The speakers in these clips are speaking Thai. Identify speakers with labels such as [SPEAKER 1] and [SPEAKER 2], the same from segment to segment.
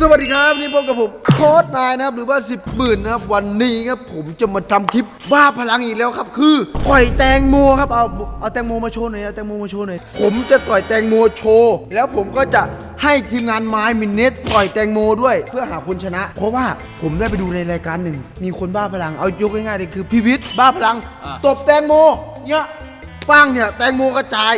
[SPEAKER 1] สวัสดีครับนี่พบกับผมโค้ชนายนะครับหรือว่า10 หมื่นนะครับวันนี้ครับผมจะมาทำคลิปบ้าพลังอีกแล้วครับคือต่อยแตงโมครับเอาแตงโมมาโชว์หน่อยเอาแตงโมมาโชว์หน่อยผมจะต่อยแตงโมโชว์แล้วผมก็จะให้ทีมงานไม้มินเนตต่อยแตงโมด้วยเพื่อหาคนชนะ เพราะว่าผมได้ไปดูในรายการหนึ่งมีคนบ้าพลังเอายกง่ายๆเลยคือพี่วิทย์บ้าพลังตบแตงโมเนี่ยปังเนี่ยแตงโมกระจาย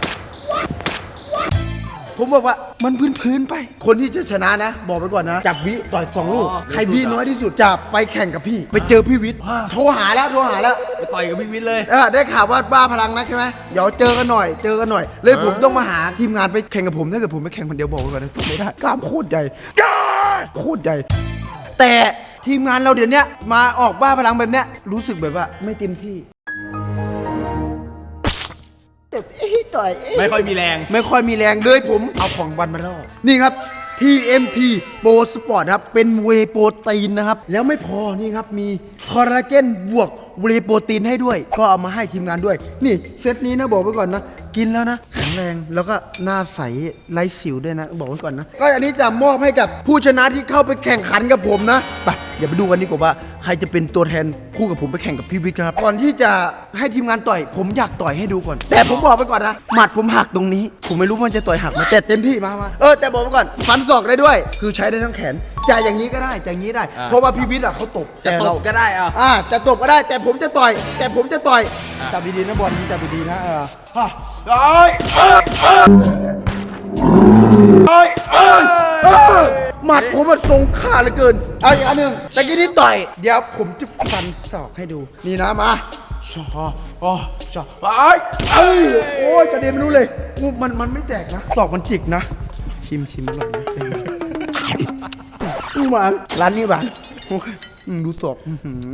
[SPEAKER 1] ผมบอกว่ามันพื้นไปคนที่จะชนะนะบอกไปก่อนนะจับวิต่อย2 ลูกใครวิน้อยที่สุดจะไปแข่งกับพี่ไปเจอพี่วิทย์โทรหาแล้ว
[SPEAKER 2] ไปต่อยกับพี่วิทย์เลย
[SPEAKER 1] ได้ข่าวว่าบ้าพลังนักใช่ไหมเดี๋ยวเจอกันหน่อยเลยผมต้องมาหาทีมงานไปแข่งกับผมถ้าเกิดผมไปแข่งคนเดียวบอกไปก่อนนะสู้ไม่ได้กล้ามโคตรใหญ่แต่ทีมงานเราเดี๋ยวนี้มาออกบ้าพลังแบบเนี้ยรู้สึกแบบว่าไม่เต็มที่
[SPEAKER 2] ไม่ค่อยมีแรง
[SPEAKER 1] เลยผมเอาของบันมาล่อนี่ครับ TMT Pro Sport ครับเป็นเวย์โปรตีนนะครับแล้วไม่พอนี่ครับมีคอลลาเจนบวกเวย์โปรตีนให้ด้วยก็เอามาให้ทีมงานด้วยนี่เซตนี้นะบอกไว้ก่อนนะกินแล้วนะแข็งแรงแล้วก็หน้าใสไร้สิวด้วยนะบอกไว้ก่อนนะก็อันนี้จะมอบให้กับผู้ชนะที่เข้าไปแข่งขันกับผมนะไปอย่าไปดูกันดีกว่าว่าใครจะเป็นตัวแทนคู่กับผมไปแข่งกับพี่วิทย์ครับก่อนที่จะให้ทีมงานต่อยผมอยากต่อยให้ดูก่อนแต่ผมบอกไปก่อนนะหมัดผมหักตรงนี้ผมไม่รู้มันจะต่อยหักไหมแต่เต็มที่มาแต่บอกไปก่อนฟันศอกได้ด้วยคือใช้ได้ทั้งแขนจะอย่างนี้ก็ได้จะอย่างนี้ได้เพราะว่าพี่วิทย์เขาตบ
[SPEAKER 2] จะตบก็ได้
[SPEAKER 1] จะตบก็ได้แต่ผมจะต่อยจับดีๆนะบอลจับดีๆนะหมัดผมมันทรงค่าเหลือเกินเอาอีกอันหนึ่งแต่กี้นี้ต่อยเดี๋ยวผมจะฟันศอกให้ดูนี่นะมาโอ้ยกระเด็นไม่รู้เลยมันไม่แตกนะศอกมันจิกนะชิมอร่อยนะหวานร้านนี้หวานดูศอก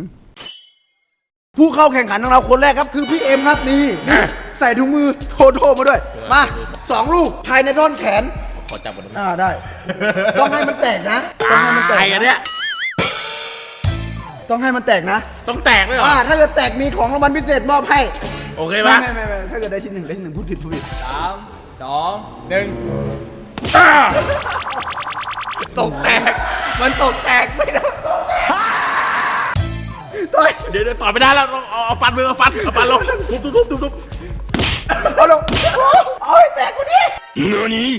[SPEAKER 1] ผู้เข้าแข่งขันของเราคนแรกครับคือพี่เอ็มครับนี่ใส่ถุงมือโทมาด้วยมา2 ลูกภายในท่อนแขน
[SPEAKER 2] ขอจับก่อน
[SPEAKER 1] ได้ต้องให้มันแตกนะต้องให้มันแตก
[SPEAKER 2] อันเนี้ย
[SPEAKER 1] ต้องให้มันแตกนะ
[SPEAKER 2] ต้องแตกด้วยเหรอ
[SPEAKER 1] ถ้าเกิดแตกมีของรางวัลพิเศษมอบให้
[SPEAKER 2] โอเคป่ะ
[SPEAKER 1] ไม่ถ้าเกิดได้ที่ 1พูดผิด
[SPEAKER 2] 3 2 1ตกแตกมันตกแตกไม่ได้เดี๋ยวต่อไม่ได้แล้วเอาฟันมือเอาฟันลงทุบ
[SPEAKER 1] เอาลงเอาให้แตกกูดิ
[SPEAKER 2] นี่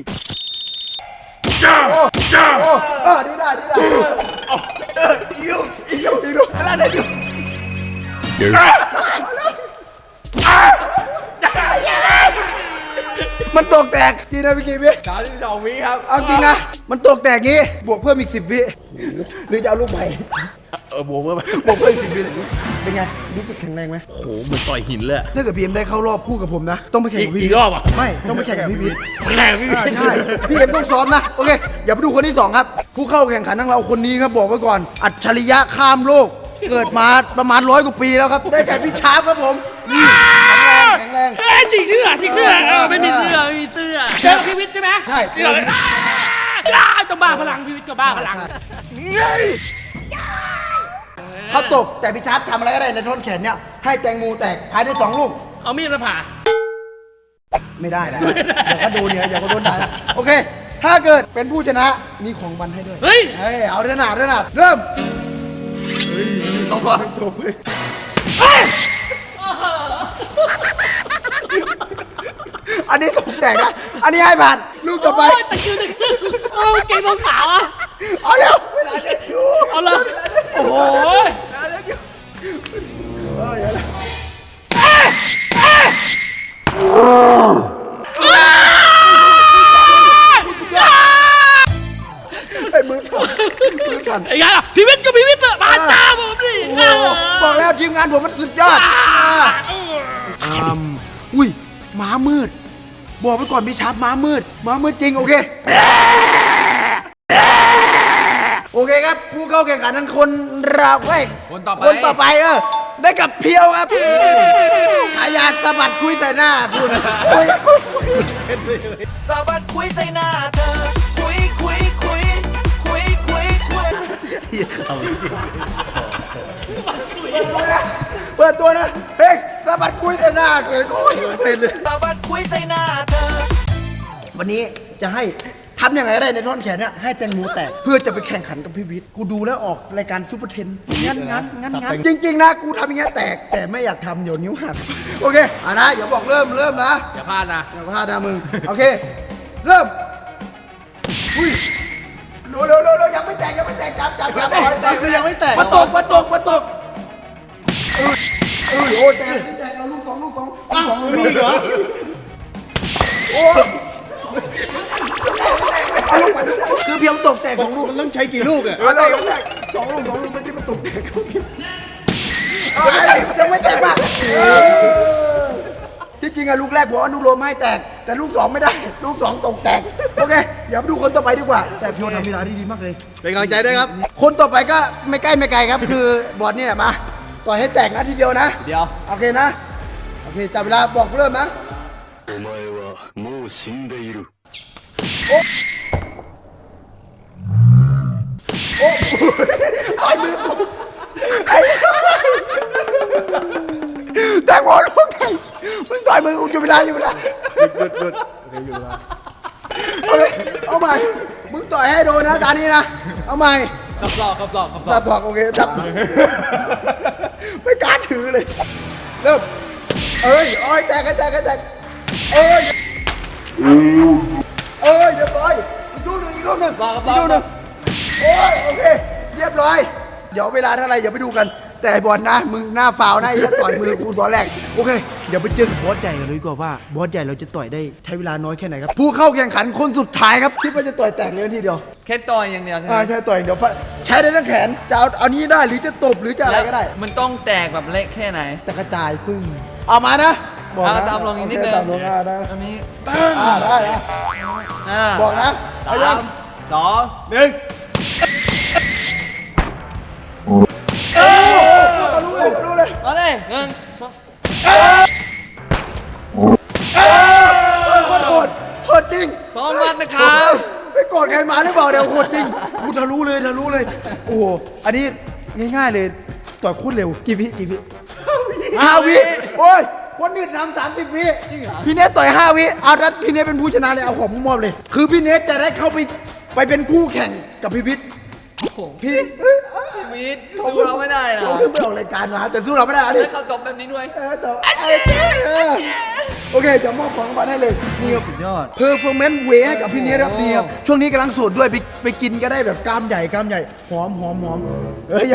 [SPEAKER 1] ดีได้อีกลูกอะไรได้อยู่มันตกแตกกี่นะพี่กี่พี่
[SPEAKER 2] 32 วิครับ
[SPEAKER 1] เอาจริงนะมันตกแตกงี้บวกเพิ่มอีก10 วิหรือจะเอาลูกใหม่
[SPEAKER 2] บวกเพิ่ม
[SPEAKER 1] อีก10 วิเป็นไงรู้สึกแข็งแรงไหม
[SPEAKER 2] โหเหมือนต่อยหินเลย
[SPEAKER 1] ถ้าเกิดพีเอ็มได้เข้ารอบคู่กับผมนะต้องไปแข่งกับพี่
[SPEAKER 2] อีกรอบอ่ะ
[SPEAKER 1] ไม่ต้องไปแข่งกับพี่วิทย์
[SPEAKER 2] ใ
[SPEAKER 1] ช่พี่เอ็มต้องซ้อมนะโอเคอย่าไปดูคนที่2ครับผู้เข้าแข่งขันของเราคนนี้ครับบอกไว้ก่อนอัจฉริยะข้ามโลกเกิดมาประมาณ100 กว่าปีแล้วครับได้แก่พี่ชาร์ปครับผมแข็งแรง
[SPEAKER 2] สิงเสื้อไม่มีเสื้อเจอพี่วิทย์ใช่ไหม
[SPEAKER 1] ใช่
[SPEAKER 2] ต้องบ้าพลังพี่วิทย์ก็บ้าพลัง
[SPEAKER 1] เขาตบแต่พี่ชาร์ปทำอะไรก็ได้ในท่อนแขนเนี่ยให้แตงโมแตกภายใน2 ลูก
[SPEAKER 2] เอามีดมาผ่า
[SPEAKER 1] ไม่ได้นะอย่าก็โดนเนี่ยอย่าก็โดนได้นะโอเคถ้าเกิดเป็นผู้ชนะมีของบันให้ด้วย
[SPEAKER 2] เฮ้ย
[SPEAKER 1] เอาเรื่องหนาเริ่มต้องวางตัวไปอันนี้ตกแตกนะอันนี้ให้ผ่านลูกต่อไป
[SPEAKER 2] ตะคิวเก่งต้องขาวอ่ะ
[SPEAKER 1] เอาเร็วเวลาจะอยู่
[SPEAKER 2] เอาเลยโอ้โห
[SPEAKER 1] ไอ้มือสั่น
[SPEAKER 2] ไอ้ไงอ่ะพี่วิทย์มาจ้าผมดิ
[SPEAKER 1] บอกแล้วทีมงานผมมันสุดยอดอุ้ยม้ามืดบอกไปก่อนพี่ชาร์ปม้ามืดจริงโอเคครับผู้เข้าแข่งขันทั้งคนเราคนต่อไปได้กับเพียวครับอาญาสะบัดคุยใส่หน้าคุณ
[SPEAKER 3] สะบัดคุยใส่หน้าเธอคุย
[SPEAKER 1] เปิดตัวนะเฮ้ยสะบัดคุยใส่หน้าเกิดคุยเต้นเลย
[SPEAKER 3] สะบัดคุยใส่หน้าเธอ
[SPEAKER 1] วันนี้จะให้ทำยังไงก็ได้ในท่อนแขนเนี่ยให้แตงโมแตกเพื่อจะไปแข่งขันกับพี่วิทย์กูดูแล้วออกรายการซูเปอร์เทนงั้นจริงๆนะกูทำอย่างเงี้ยแตกแต่ไม่อยากทำเดี๋ยวนิ้วหักโอเคนะอย่าบอกเริ่มนะ
[SPEAKER 2] อย่าพลาดนะ
[SPEAKER 1] อย่าพลาดนะมึงโอเคเริ่มอุ้ยเร็วยังไม่แตกจับคือยังไม่แตกมาตกโอ้แตกเอาลูกสองมีเหรอโอ้คือเพียงตกแตกของลูกมันต้องใช้กี่ลูกอ่ะสองลูกตอนที่มันตกแตกยังไม่แตกป่ะที่จริงอะลูกแรกบอกว่านุโรมให้แตกแต่ลูกสองไม่ได้ลูกสองตกแตกโอเคเดี๋ยวมาดูคนต่อไปดีกว่าแต่พี่โยทำเวลาได้ดีมากเลย
[SPEAKER 2] เป็นกำลังใจด้วยครับ
[SPEAKER 1] คนต่อไปก็ไม่ใกล้ไม่ไกลครับ คือบอลนี่แหละมาต่อยให้แตกนะทีเดียวนะ
[SPEAKER 2] เดี๋ยว
[SPEAKER 1] โอเคนะโอเคจับเวลาบอกเริ่มนะ
[SPEAKER 4] お前はもう死んでいる。
[SPEAKER 1] ต่อยมือกูไอ้แตงโมลูกแตงมึงต่อยมือกูอยู่เวลาหยุดเอาใหม่มึงต่อยให้โดนนะตานี้นะเอาใหม่จับถอกโอเคจับไม่กล้าถือเลยเริ่มเอ้ยแตกเอ้ยเรียบร้อยอีกลูกหนึ่งโอ้ยโอเคเรียบร้อยเดี๋ยวเวลาเท่าไรอย่าไปดูกันแต่บอลนะมึงหน้าฟาวนะไอ้ที่ต่อยมือกูตอนแรกโอเคเดี๋ยวไปเจอกับบอสใหญ่กันเลยดีกว่าว่าบอสใหญ่เราจะต่อยได้ใช้เวลาน้อยแค่ไหนครับผู้เข้าแข่งขันคนสุดท้ายครับคิดว่าจะต่อยแตกเลยทีเดียว
[SPEAKER 5] แค่ต่อยอย่างเดียวใช่ไหม
[SPEAKER 1] ใช่ต่อยเดี๋ยวใช้ได้ทั้งแขนจะเอานี้ได้หรือจะตบหรือจะอะไรก็ได้
[SPEAKER 5] มันต้องแตกแบบเละแค่ไหน
[SPEAKER 1] แต่กระจายพึ่งเอามานะบอกนะ
[SPEAKER 5] ตามลงอีกนิดนึง
[SPEAKER 1] ตามลงได้
[SPEAKER 5] อันนี้
[SPEAKER 1] ได้นะ บอกนะเอายัง
[SPEAKER 2] 3 2 1
[SPEAKER 1] รู้เลย
[SPEAKER 5] มาเลยหนึ่ง
[SPEAKER 1] โหดจริง
[SPEAKER 5] สองมัดนะครับ
[SPEAKER 1] ไปโกรธใครมาหรือเปล่าเดี๋ยวโหดจริงกูทะลุเลยโอ้โหอันนี้ง่ายๆเลยต่อยโคตรเร็วกี่วิ5 วิโอ้ยคนอื่นทำ30 วิพี่เนสต่อย5 วิเอาดัดพี่เนสเป็นผู้ชนะเลยเอาของมอบเลย คือพี่เนสจะได้เข้าไปเป็นคู่แข่งกับพี่พิษพี่
[SPEAKER 5] มีดสู้เราไม่ได้นะ
[SPEAKER 1] เขาขึ้นไปออกรายการมาแต่สู้เราไม่ได้อันนี้
[SPEAKER 5] แล้วเขาตบแบบนี้ด้วย
[SPEAKER 1] โอเคจะมอบของรางวัลให้เลยนี่ครับสุดยอดเพอร์ฟอร์แมนซ์เวให้กับพี่เนสครับนี่ครับช่วงนี้กำลังสูตรด้วยไปกินก็ได้แบบกล้ามใหญ่หอมอย่า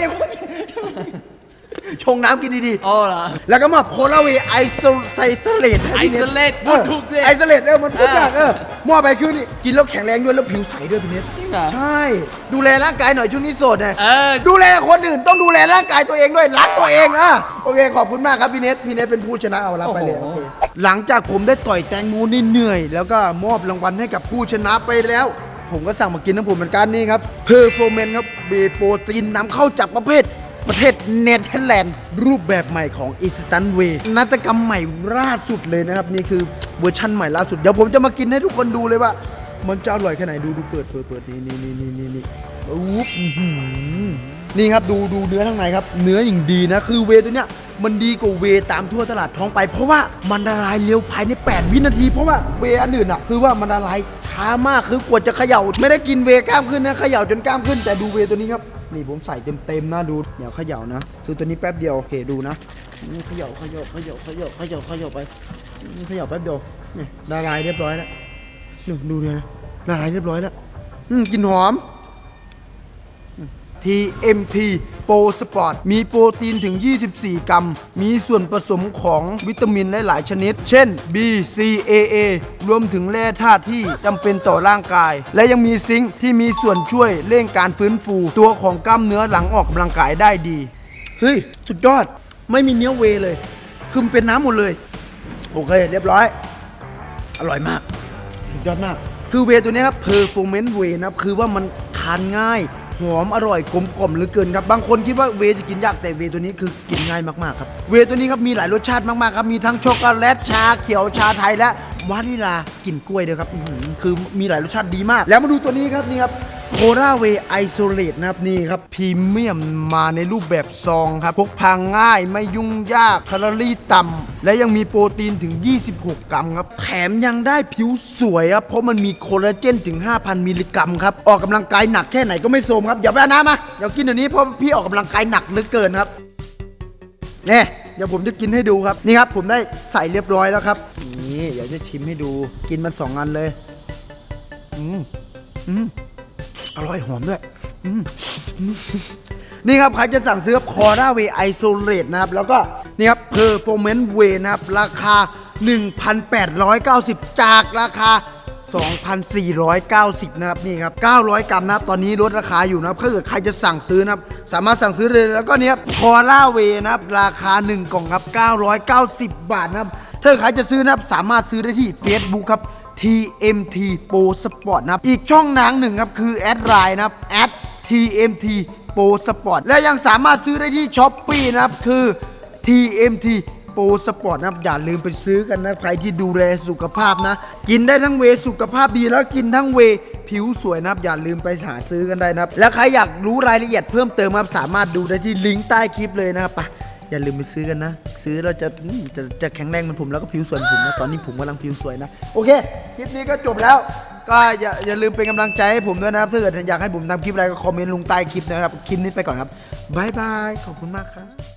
[SPEAKER 1] ชงน้ำกินดี
[SPEAKER 5] อ๋อเหรอ
[SPEAKER 1] ๆแล้วก็มอบโคลาเวไอโซเลต
[SPEAKER 5] Isolate พูดถูกสิ
[SPEAKER 1] ไอโซเลตมันพูดยากมอบไปคือนี่กินแล้วแข็งแรงด้วยแล้วผิวใสด้วยพี่เนส
[SPEAKER 5] จริงเหรอ
[SPEAKER 1] ใช่ดูแลร่างกายหน่อยช่วงนี้โสดไง
[SPEAKER 5] อ
[SPEAKER 1] ดูแลคนอื่นต้องดูแลร่างกายตัวเองด้วยรักตัวเองโอเคขอบคุณมากครับพี่เนสเป็นผู้ชนะเอารับไปเลย
[SPEAKER 5] โอ้โห
[SPEAKER 1] โอเคหลังจากผมได้ต่อยแตงโมนี่เหนื่อยแล้วก็มอบรางวัลให้กับผู้ชนะไปแล้ว ผมก็สั่งมากินน้ำผมเหมือนกันนี่ครับเพอร์โฟเมนครับเบโปรตีนนำเข้าจากประเทศเนเธอร์แลนด์รูปแบบใหม่ของอิสตันเวย์นวัตกรรมใหม่ล่าสุดเลยนะครับนี่คือเวอร์ชั่นใหม่ล่าสุดเดี๋ยวผมจะมากินให้ทุกคนดูเลยว่า มันจะอร่อยแค่ไหนดูเปิดนี่อุ๊บนี่ครับดูเนื้อข้างในครับเนื้ออย่างดีนะคือเวย์ตัวเนี้ยมันดีกว่าเวย์ตามทั่วตลาดท้องไป เพราะว่ามันละลายเร็วภายใน8 วินาทีเพราะว่าเวย์อันอื่นอ่ะคือว่ามันละลายช้ามากคือกว่าจะเขย่าไม่ได้กินเวย์กล้ามขึ้นนะเขย่าจนกล้ามขึ้นแต่ดูเวย์ตัวนี้ครับนี่ผมใส่เต็มนะดูเดี๋ยวเขย่านะคือตัวนี้แป๊บเดียวโอเคดูนะเขย่าไปเขย่าแป๊บเดียวนี่ละลายเรียบร้อยแล้วดูเลยนะละลายเรียบร้อยแล้วกลิ่นหอม TMT Pro Sport มีโปรตีนถึง 24 กรัม มีส่วนผสมของวิตามินหลายๆชนิด เช่น B C A A รวมถึงแร่ธาตุที่จำเป็นต่อร่างกาย และยังมีซิงค์ที่มีส่วนช่วยเร่งการฟื้นฟูตัวของกล้ามเนื้อหลังออกกำลังกายได้ดี เฮ้ย สุดยอด ไม่มีเนื้อเวย์เลย คือมันเป็นน้ำหมดเลย โอเค เรียบร้อย อร่อยมาก สุดยอดมาก คือเวย์ตัวนี้ครับ Performance Whey นะครับ คือว่ามันทานง่าย หอมอร่อยกลมกล่อมเหลือเกินครับบางคนคิดว่าเวย์จะกินยากแต่เวย์ตัวนี้คือกินง่ายมากๆครับเวย์ตัวนี้ครับมีหลายรสชาติมากๆครับมีทั้งช็อกโกแลตชาเขียวชาไทยและวานิลากลิ่นกล้วยด้วยครับคือมีหลายรสชาติดีมากแล้วมาดูตัวนี้ครับนี่ครับโคราเวไอโซเลตนะครับนี่ครับพรีเมียมมาในรูปแบบซองครับพกพาง่ายไม่ยุ่งยากแคลอรี่ต่ำและยังมีโปรตีนถึง 26 กรัมครับแถมยังได้ผิวสวยครับเพราะมันมีโคลลาเจนถึง 5,000 มิลลิกรัมครับออกกำลังกายหนักแค่ไหนก็ไม่โทรมครับอย่าไปเอาน้ำมาเดี๋ยวกินเดี๋ยวนี้เพราะพี่ออกกำลังกายหนักเหลือเกินครับเนี่ยเดี๋ยวผมจะกินให้ดูครับนี่ครับผมได้ใส่เรียบร้อยแล้วครับนี่เดี๋ยวจะชิมให้ดูกินมัน2 อันเลยอร่อยหอมด้วยนี่ครับใครจะสั่งซื้อคอร่าเวไอโซเลตนะครับแล้วก็นี่ครับเพอร์ฟอร์แมนซ์เวนะครับราคา 1,890 จากราคา 2,490 นะครับนี่ครับ900 กรัมนะครับตอนนี้ลดราคาอยู่นะครับถ้าเกิดใครจะสั่งซื้อนะครับสามารถสั่งซื้อเลยแล้วก็เนี้ยคอร่าเวนะครับราคา1 กล่องครับ990 บาทนะครับถ้าใครจะซื้อนะครับสามารถซื้อได้ที่ Facebook ครับ TMT Pro Sport นะครับอีกช่องทางหนึ่งครับคือแอดไลน์นะครับ@TMT Pro Sport และยังสามารถซื้อได้ที่ Shopee นะครับคือ TMT Pro Sport นะครับอย่าลืมไปซื้อกันนะใครที่ดูแลสุขภาพนะกินได้ทั้งเวย์สุขภาพดีแล้วกินทั้งเวย์ผิวสวยนะครับอย่าลืมไปหาซื้อกันได้นะครับและใครอยากรู้รายละเอียดเพิ่มเติมครับสามารถดูได้ที่ลิงก์ใต้คลิปเลยนะครับไปอย่าลืมไปซื้อกันนะซื้อเราจะแข็งแรงเหมือนผมแล้วก็ผิวสวยเหมือนผมนะตอนนี้ผมกำลังผิวสวยนะโอเคคลิปนี้ก็จบแล้วก็อย่าลืมเป็นกำลังใจให้ผมด้วยนะครับถ้าเกิดอยากให้ผมทำคลิปอะไรก็คอมเมนต์ลงใต้คลิปนะครับคลิปนี้ไปก่อนครับบ๊ายบายขอบคุณมากครับ